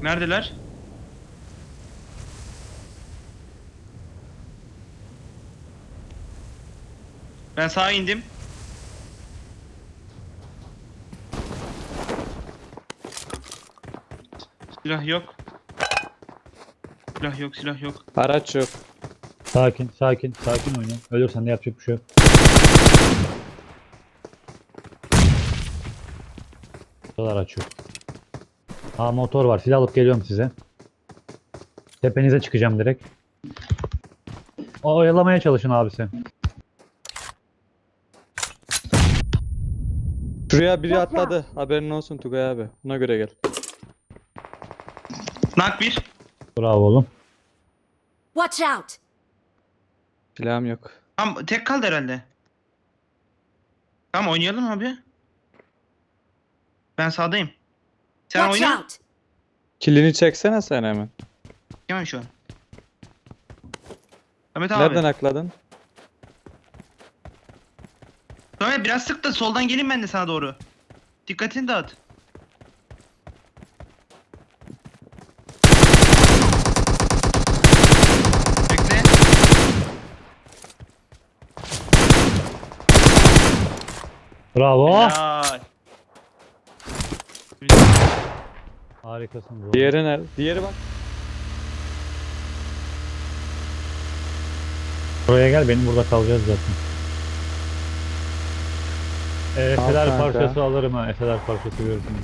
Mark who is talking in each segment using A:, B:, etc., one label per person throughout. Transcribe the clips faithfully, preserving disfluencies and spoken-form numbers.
A: Neredeler? Ben sağa indim. Silah yok. Silah yok, silah yok.
B: Araç yok.
C: Sakin, sakin, sakin oyna. Ölürsen de yapacak bir şey yok. Buralar açıyor. Aa, motor var. Silah alıp geliyorum size. Tepenize çıkacağım direkt. O oyalamaya çalışın abisi.
B: Şuraya biri atladı. Haberin olsun Tugay abi. Buna göre gel.
A: Nak bir.
C: Bravo oğlum.
D: Watch out!
B: Silahım yok.
A: Tamam, tek kaldı herhalde. Tamam, oynayalım abi. Ben sağdayım. Sen
D: Watch
A: oyna.
D: out!
B: Kilini çeksene sen hemen.
A: Hemen şu an. Ahmet abi.
B: Nereden akladın?
A: Ahmet biraz sık da soldan geleyim ben de sana doğru. Dikkatini dağıt. Bekle.
C: Bravo.
A: Helal.
C: Harikasın bro.
B: Diğeri nerede? Diğeri bak.
C: Buraya gel, benim burada kalacağız zaten. Ee,
B: Al
C: Efeler
B: kanka.
C: parçası alırım ha. Efeler parçası görürsünüz.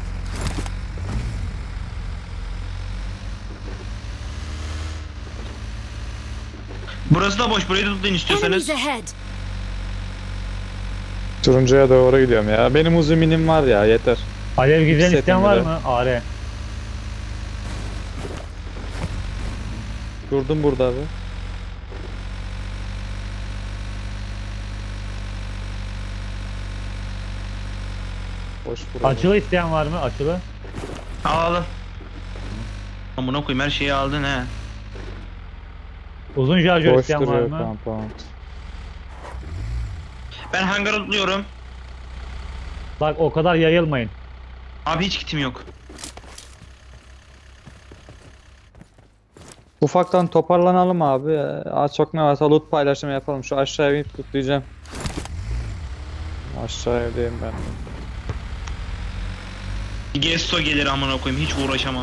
A: Burası da boş. Burayı da tutun istiyorsanız.
D: Enemies ahead!
B: Turuncuya doğru gidiyorum ya. Benim uzun minim var ya, yeter.
C: Alev gizlen
B: Setim
C: isteyen var
B: bile.
C: mı? Are.
B: Durdum burada abi. Boş burada.
C: Açılı isteyen var mı? Açılı.
A: Al al. Amına koyayım, her şeyi aldın he.
C: Uzun şarjör
B: Boş
C: isteyen var
B: duruyor
C: mı?
B: compound.
A: Ben hangar atlıyorum.
C: Bak, o kadar yayılmayın.
A: Abi hiç kitim yok.
B: Ufaktan toparlanalım abi. Az çok ne varsa loot paylaşımı yapalım. Şu aşağıya bir tutlayacağım. Aşağı evdeyim ben.
A: Gesto gelir amına koyayım, hiç uğraşamam.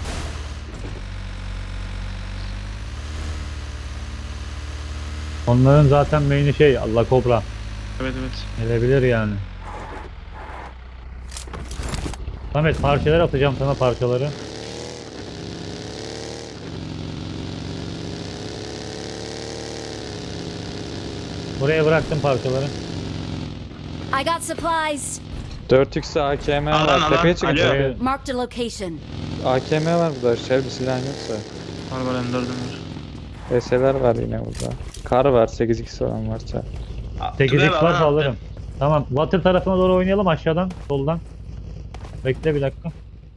C: Onların zaten main'i şey, Allah Kobra.
A: Evet evet.
C: Gelebilir yani. Samet, parçalar atacağım sana, parçaları. Buraya bıraktım parçaları.
D: I got supplies!
B: dört x A K M
A: Alan,
B: var.
A: alan.
B: Tepeye çıkın.
A: Alo.
B: Tepeye.
D: Marked a location.
B: A K M var burada. Şey bir silah yoksa.
A: Var var, M dördüm var.
B: S L'ler var yine burada. Kar var. sekiz x olan varsa.
C: sekiz
A: Tugay
C: x
A: abi,
C: varsa
A: alan
C: alırım.
A: attı.
C: Tamam, water tarafına doğru oynayalım, aşağıdan, soldan. Bekle bir dakika.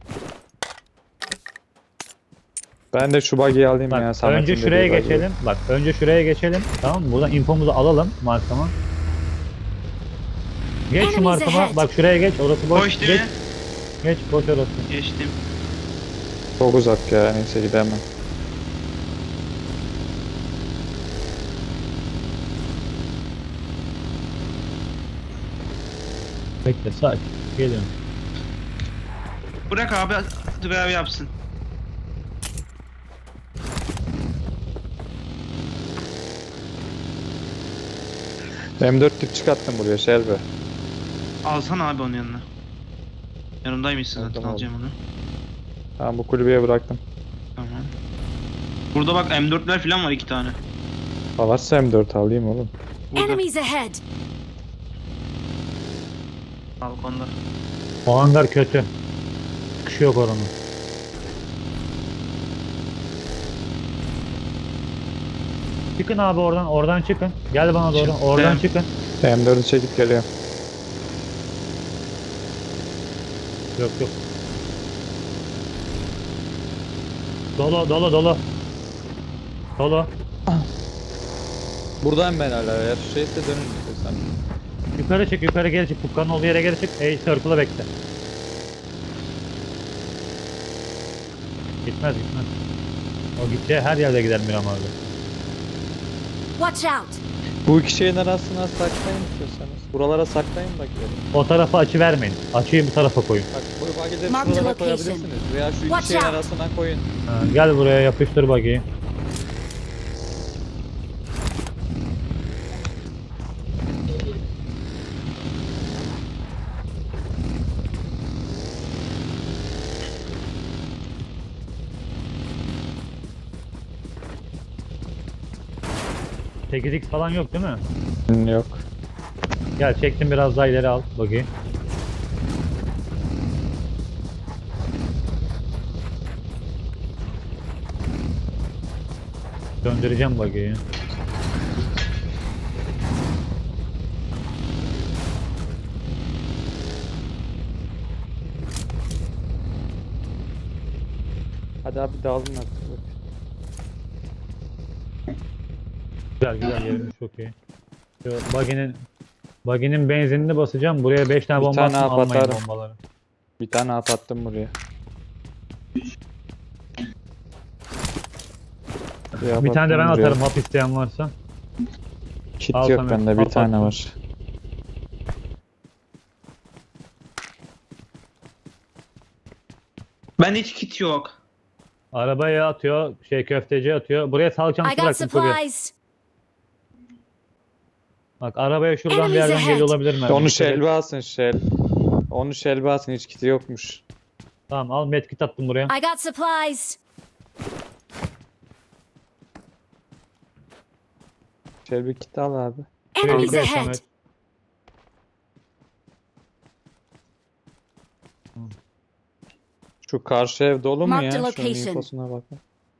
B: Ben de şu buggy'i alayım ya.
C: Bak,
B: Samet'in
C: önce
B: dediği
C: şuraya
B: buggy'i.
C: geçelim. Bak, önce şuraya geçelim. Tamam mı? Buradan infomuzu alalım markama. Geç şu
D: Enemies
C: markama.
D: ahead.
C: Bak, şuraya geç. Orası boş.
A: Boş değil
C: geç.
A: mi?
C: Geç, boş orası.
A: Geçtim.
B: Çok uzak ya. Neyse gidemem.
C: Bekle, sakin. Geliyorum.
A: Bırak abi, Tugay abi yapsın.
B: M dört tip çıkarttım buraya Şerbe.
A: Alsana abi onun yanına. Yanımdaymışsın zaten,
B: Aldım,
A: alacağım onu.
B: Tamam bu kulübeye bıraktım.
A: Tamam. Burada bak M dörtler falan var, iki tane.
B: Ha varsa M dört alayım oğlum.
A: Burada.
D: Enemies ahead!
A: Balkonda.
C: O hangar kötü. Çıkışı yok oranın. Çıkın abi oradan. Oradan çıkın. Gel bana doğru.
A: Çıktım.
C: Oradan çıkın.
B: M dördü çekip geliyorum.
C: Yok yok. Dolu dolu dolu. Dolu.
B: Buradayım ben hala. Eğer şeyse dönün istiyorsan.
C: Yukarı çık, yukarı geri çık. Fukkanın olduğu yere geri çık. Ey, circle'a bekle. Gitmez gitmez. O gideceği her yerde gider Miram abi.
D: Watch out!
B: Bu iki şeyin arasına saklayın istiyorsanız. Buralara saklayın bak yeri.
C: O tarafa açı vermeyin. Açıyı bu tarafa koyun.
B: Bak bu bagide
D: Mark the
B: şuralara
D: location.
B: koyabilirsiniz. Veya şu iki
D: Watch
B: şeyin
D: out.
B: arasına koyun.
C: Ha, gel buraya yapıştır buggy'yi. sekiz x falan yok değil mi?
B: Yok.
C: Gel çektim biraz daha ileri al buggy'yi. Döndüreceğim buggy'yi.
B: Hadi abi dağılın artık.
C: Güzel güzel yerimiz çok iyi. Şu buggy'nin buggy'nin benzinini basacağım. Buraya beş tane
B: Bir
C: bomba
B: tane
C: attım, almayın
B: atarım.
C: bombaları.
B: Bir tane hap attım buraya.
C: Bir tane de ben atarım hap isteyen varsa.
B: Kit
C: Al
B: yok
C: Samet,
B: bende, bir
C: al
B: tane
C: tatlım.
B: var.
A: Bende hiç kit yok.
C: Arabaya atıyor, şey köfteci atıyor. Buraya sağlık
D: I
C: çantası
D: got
C: bıraktım kurye.
D: supplies!
C: Bak arabaya şuradan bir
D: Enemies
C: yerden
D: ahead.
C: geliyor olabilir mi?
B: Onu şelbe alsın şel. Onu şelbe alsın, hiç kiti yokmuş.
C: Tamam al medkit attım buraya.
D: I got supplies!
B: Şelbe kiti al abi.
D: Enemies
C: Şöyle
D: ahead!
C: Samet.
B: Şu karşı ev dolu mu
D: Mark
B: ya?
D: the
B: Şunun
D: location.
B: infosuna bakın.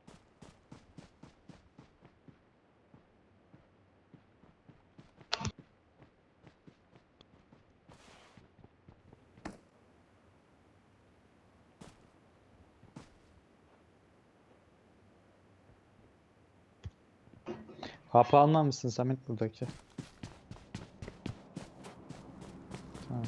B: Hapı almamışsın Samet buradaki. Tamam.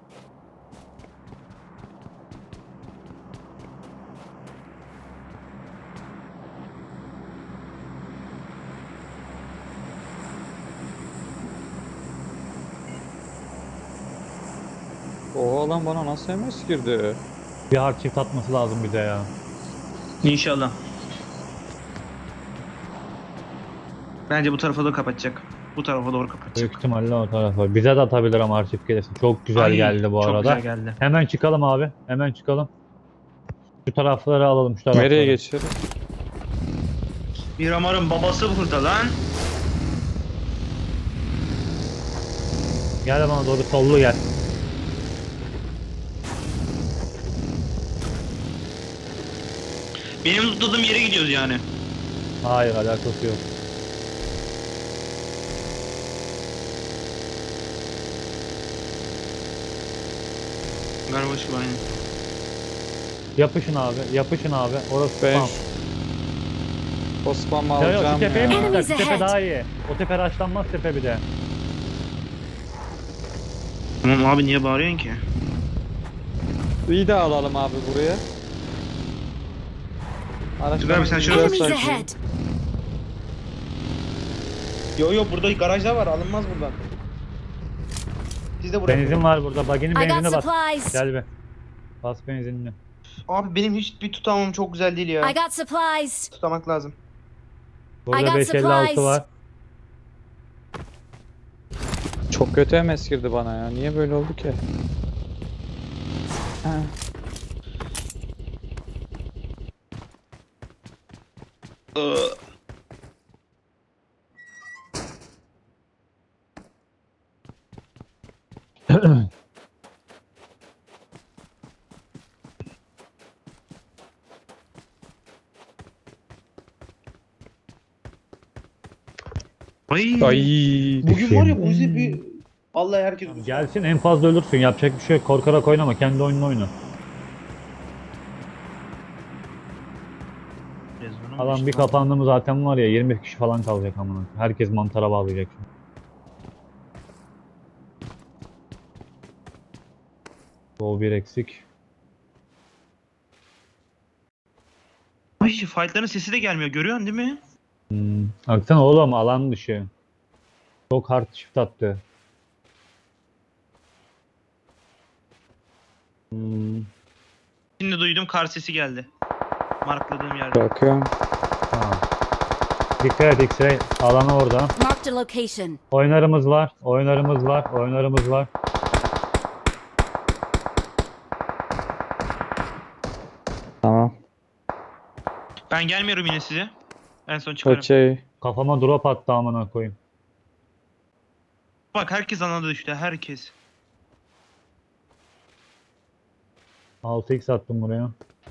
B: Oha lan, bana nasıl M S girdi?
C: Bir hard çift atması lazım bize ya.
A: İnşallah. Bence bu tarafa da kapatacak. Bu tarafa doğru kapatacak.
C: Büyük ihtimalle o tarafa. Bize de atabilir ama hard çift gelirse. Çok güzel
A: Ay,
C: geldi bu
A: çok
C: arada.
A: güzel geldi.
C: Hemen çıkalım abi. Hemen çıkalım. Şu tarafları alalım şu tarafları.
B: Nereye geçelim?
A: Miramar'ın babası burada lan.
C: Gel bana doğru sollu gel.
A: Benim tuttuğum yere gidiyoruz yani.
C: Hayır alakası yok.
A: Galiba şu aynı.
C: Yapışın abi. Yapışın abi. Orası
B: Ben
C: spam.
B: o spam'ı
C: Ya yok şu
B: alacağım
C: tepeye mi
B: ya.
C: çıkacak?
D: Enemies
C: Şu tepe
D: ahead.
C: daha iyi. O tepe raşlanmaz tepe bir de.
A: Tamam abi, niye bağırıyorsun ki?
B: İyi de alalım abi buraya.
A: Dur abi, sen şöyle-
D: Enemies ahead!
A: Yo yo, burada garajlar var, alınmaz buradan. Siz de buraya.
C: Benzin var burada. Baginin
D: I got
C: benzinine bas.
D: supplies!
C: Gel be. Bas benzinini.
A: Abi benim hiçbir tutamam çok güzel değil ya.
D: I got supplies!
A: Tutamak lazım.
D: I
C: Burada
D: got
C: beş elli altı
D: supplies.
C: var.
B: Çok kötü M S girdi bana ya. Niye böyle oldu ki? Ha.
A: Iı. Ay.
B: Ay.
A: Bugün var ya, bu yüzden bir vallahi herkes
C: Gelsin en fazla ölürsün. Yapacak bir şey yok. Korkarak oynama. Kendi oyununu oyna. Alan bir kapandı mı zaten var ya yirmi kişi falan kalacak amına. Herkes mantara bağlayacak şimdi. Bol bir eksik.
A: Ay fightların sesi de gelmiyor. Görüyorsun değil mi?
C: Hmm. Baksana oğlum alan dışı. Çok hard shift attı. Hmm.
A: Şimdi duydum kar sesi geldi. Markladığım yerde.
B: Bakıyorum.
C: Tamam. Dikkat et X-Ray. Alanı orada.
D: Marked a location.
C: Oynarımız var. Oynarımız var. Oynarımız var.
B: Tamam.
A: Ben gelmiyorum yine size. En son çıkarım.
B: Okey.
C: Kafama drop attı amına koyayım.
A: Bak herkes anladı işte. Herkes.
C: altı x attım buraya.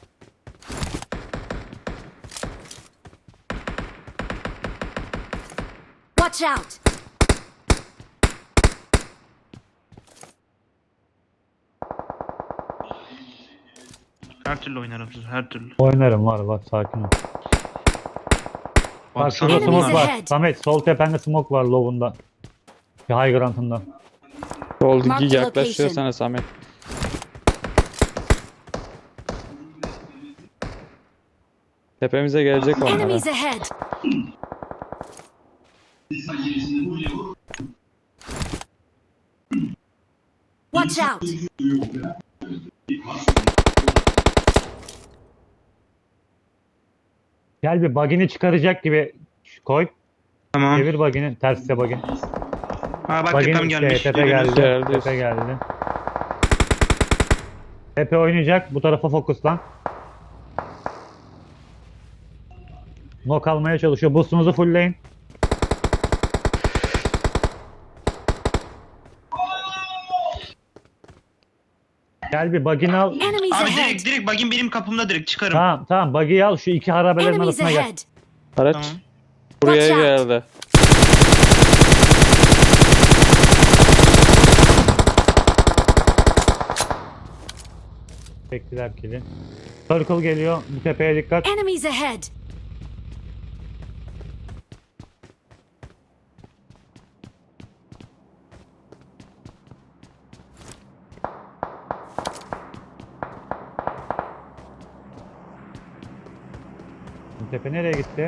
D: Watch out!
A: Her türlü oynarım siz. Her türlü.
C: Oynarım var var sakin ol. Bak şurada
D: Enemies
C: smoke var.
D: ahead.
C: Samet sol tepende smoke var low'unda. Bir high ground'ında.
B: Oldu
D: Mark the
B: yaklaşıyor
D: location.
B: sana Samet. Tepemize gelecek onlar.
D: Enemies
B: ha.
D: ahead! Watch out!
C: Gel bir bug'ini çıkaracak gibi koy.
A: Tamam.
C: Çevir bug'ini. Terste bug'in.
A: Ha bak
C: Bug'in
A: tepem
C: işte,
A: gelmiş.
C: tepe
A: Görüyorsunuz.
C: geldi.
B: Geldi.
C: Tepe geldi. Tepe oynayacak. Bu tarafa fokuslan. Knock almaya çalışıyor. Boost'unuzu fullleyin. Gel bir bug'ini al.
D: Enemies
A: Abi
D: ahead!
A: direkt direkt bagin benim kapımda direkt çıkarım.
C: Tamam tamam buggy'yi al. Şu iki harabelerin
D: Enemies
C: arasına gel.
D: ahead!
B: Araç
A: Tamam.
B: buraya
D: Watch out.
B: geldi.
C: Çektiler kili. Circle geliyor. Bu tepeye dikkat.
D: Enemies ahead!
C: Bu tepe nereye gitti?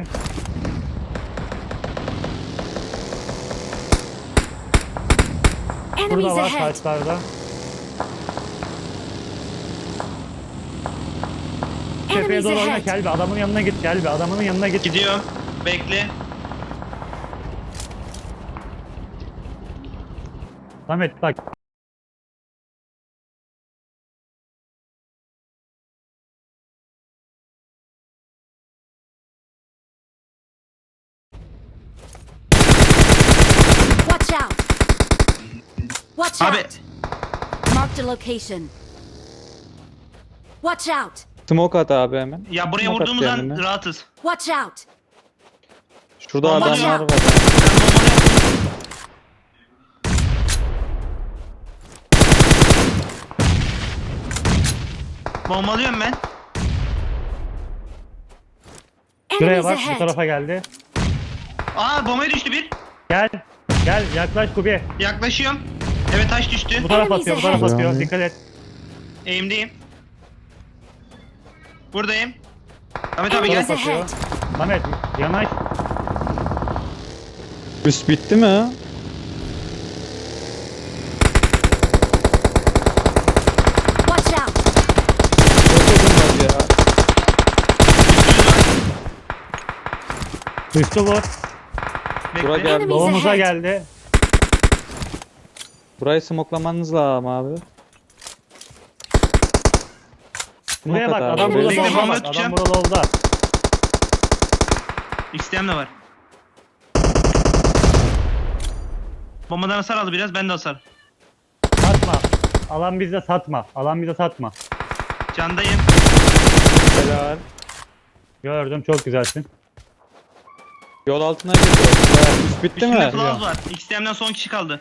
D: Enemies
C: Burada var
D: ahead!
C: taşlarda. Tepeye
D: Enemies
C: doğru oyna
D: ahead!
C: Kelbi. Adamın yanına git Kelbi. Adamının yanına git.
A: Gidiyorum. Bekle.
C: Samet bak.
D: Watch out! Watch
A: Abi
D: out! Marked a location. Watch out!
B: Smoke at abi hemen.
A: ya buraya
B: Smoke at
A: vurduğumuz an
B: kendine.
A: rahatız.
D: Watch out!
B: Şurada
A: Bomba
B: adamlar
D: ya.
B: var.
A: Ben bombanı yaptım. Bombalıyorum ben.
C: Şuraya
D: Enemies
C: bak. Bu
D: ahead!
C: tarafa geldi.
A: Aa bombaya düştü bir.
C: Gel. Gel yaklaş Kubi.
A: Yaklaşıyorum. Evet taş düştü.
C: Bu taraf
D: Enemies
C: atıyor. Bu taraf
B: ahead.
C: atıyor. Dikkat et.
A: Eğimdeyim. Buradayım. Ahmet abi
D: Enemies
A: gel.
C: atıyor.
D: ahead!
C: Samet yanaş.
B: Üst bitti mi?
D: Watch out!
B: Çok uzun var ya.
C: Üstü vur.
B: Bura
A: Bekle.
B: geldi.
D: Enemies
C: Doğumuza
D: ahead.
C: geldi.
B: Burayı smoklamanız lazım abi.
C: Buraya
B: Smoke
C: bak.
B: at abi.
C: Adam burada
D: Bekle,
C: solda
A: bomba
C: bak. Adam
A: tutacağım.
C: burada solda.
A: İsteyen de var. Bombadan hasar aldı biraz. Ben de hasar.
C: Satma. Alan bize satma. Alan bize satma.
A: Candayım.
B: Helal.
C: Gördüm. Çok güzelsin.
B: Yol altına geliyor. Ya, üst bitti
A: Üstünde
B: mi?
A: Flauz var. X T M'den son kişi kaldı.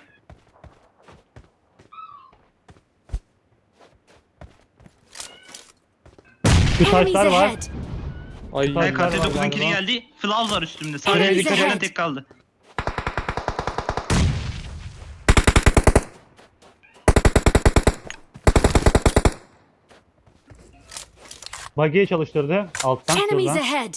C: Şu
D: Enemies
C: taşlar var.
D: ahead!
B: Ay
C: Taşlar
A: Hey
C: var
A: K T dokuzun kili
C: galiba.
A: geldi. Flauz var üstümde.
C: Şuraya
A: Sadece
D: dikkat
A: X T'den
D: et.
A: tek kaldı.
C: Buggy'yi çalıştırdı. Alttan
D: Enemies
C: şuradan.
D: ahead!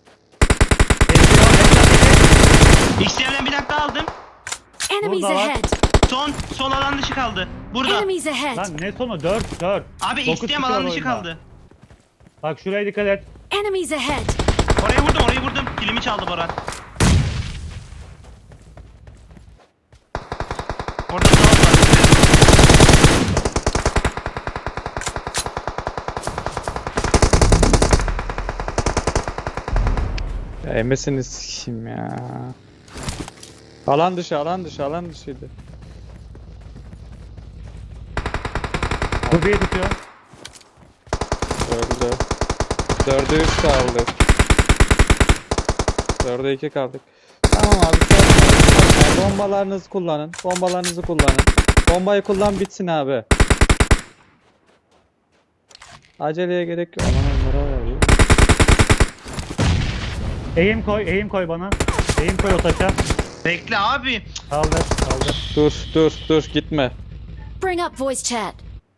A: X T'den bir dakika aldım.
D: Enemies
C: Burada var.
D: ahead!
A: Son sol alan dışı kaldı. Burada.
D: Enemies ahead!
C: Lan ne sonu? dört dört.
A: Abi X T'm alan dışı kaldı.
C: Bak şuraya dikkat et.
D: Enemies ahead!
A: Oraya vurdum, orayı vurdum. Kilimi çaldı Boran. Orada sağ var.
B: Ya emesini sikeyim ya. Alan dışı, alan dışı, alan dışıydı.
C: Kubiyi tutuyor.
B: Dördü. Dörde üç kaldık. Dörde iki kaldık. Tamam abi. Sen, sen bombalarınızı kullanın. Bombalarınızı kullanın. Bombayı kullan bitsin abi. Aceleye gerek yok. Aman onlara var ya.
C: Eğim koy, eğim koy bana. Eğim koy o taşa.
A: Bekle abi.
C: Kaldır, kaldır.
B: Dur dur dur gitme.
D: Bring up voice chat.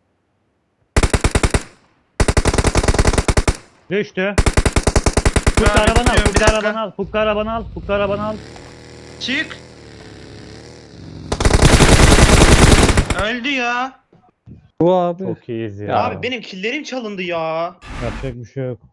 C: Düştü. Fukka
A: Abi,
C: arabanı al,
A: tutuyorum, bir
C: Fukka
A: dakika.
C: arabanı al, Fukka arabanı al, Fukka arabanı al.
A: Çık. Öldü ya.
B: Bu abi.
C: Çok iyiyiz ya.
B: Ya.
A: Abi benim killerim çalındı ya.
C: Yapacak bir şey yok.